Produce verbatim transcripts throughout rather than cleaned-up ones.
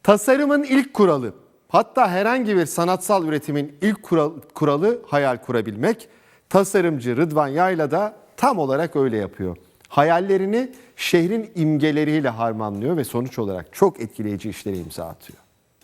Tasarımın ilk kuralı, hatta herhangi bir sanatsal üretimin ilk kural- kuralı hayal kurabilmek. Tasarımcı Rıdvan Yayla da tam olarak öyle yapıyor. Hayallerini şehrin imgeleriyle harmanlıyor ve sonuç olarak çok etkileyici işlere imza atıyor.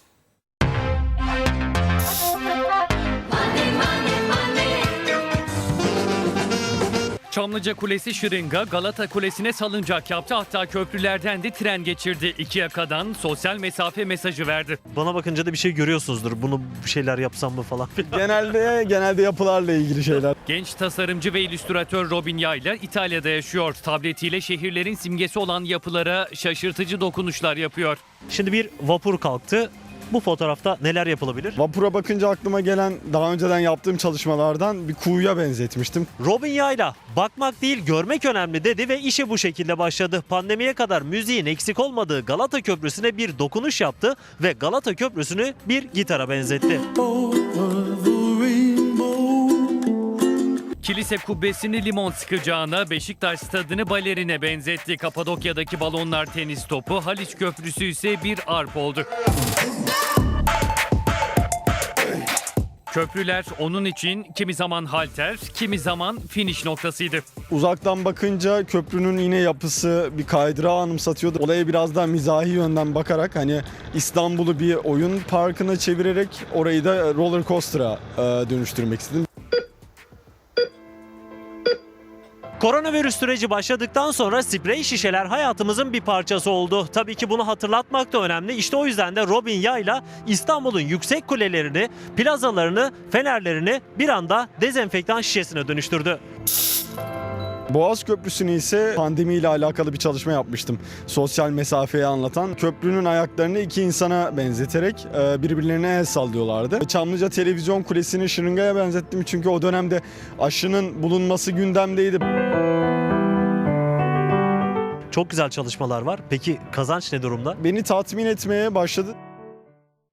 Çamlıca Kulesi şırınga, Galata Kulesi'ne salıncak yaptı. Hatta köprülerden de tren geçirdi. İki yakadan sosyal mesafe mesajı verdi. Bana bakınca da bir şey görüyorsunuzdur. Bunu bir şeyler yapsam mı falan. Genelde genelde yapılarla ilgili şeyler. Genç tasarımcı ve illüstratör Robin Yayla İtalya'da yaşıyor. Tabletiyle şehirlerin simgesi olan yapılara şaşırtıcı dokunuşlar yapıyor. Şimdi bir vapur kalktı. Bu fotoğrafta neler yapılabilir? Vapura bakınca aklıma gelen daha önceden yaptığım çalışmalardan bir kuyuya benzetmiştim. Robin Yayla bakmak değil görmek önemli dedi ve işe bu şekilde başladı. Pandemiye kadar müziğin eksik olmadığı Galata Köprüsü'ne bir dokunuş yaptı ve Galata Köprüsü'nü bir gitara benzetti. Kilise kubbesini limon sıkacağına, Beşiktaş stadını balerine benzetti. Kapadokya'daki balonlar tenis topu, Haliç Köprüsü ise bir arp oldu. Köprüler onun için kimi zaman halter, kimi zaman finish noktasıydı. Uzaktan bakınca köprünün yine yapısı bir kaydırağı anımsatıyordu. Olaya biraz daha mizahi yönden bakarak hani İstanbul'u bir oyun parkına çevirerek orayı da roller coaster'a e, dönüştürmek istedim. Koronavirüs süreci başladıktan sonra sprey şişeler hayatımızın bir parçası oldu. Tabii ki bunu hatırlatmak da önemli. İşte o yüzden de Robin Yayla İstanbul'un yüksek kulelerini, plazalarını, fenerlerini bir anda dezenfektan şişesine dönüştürdü. Boğaz Köprüsü'nü ise pandemiyle alakalı bir çalışma yapmıştım. Sosyal mesafeyi anlatan. Köprünün ayaklarını iki insana benzeterek birbirlerine el sallıyorlardı. Çamlıca Televizyon Kulesi'ni şırıngaya benzettim çünkü o dönemde aşının bulunması gündemdeydi. Çok güzel çalışmalar var. Peki kazanç ne durumda? Beni tatmin etmeye başladı.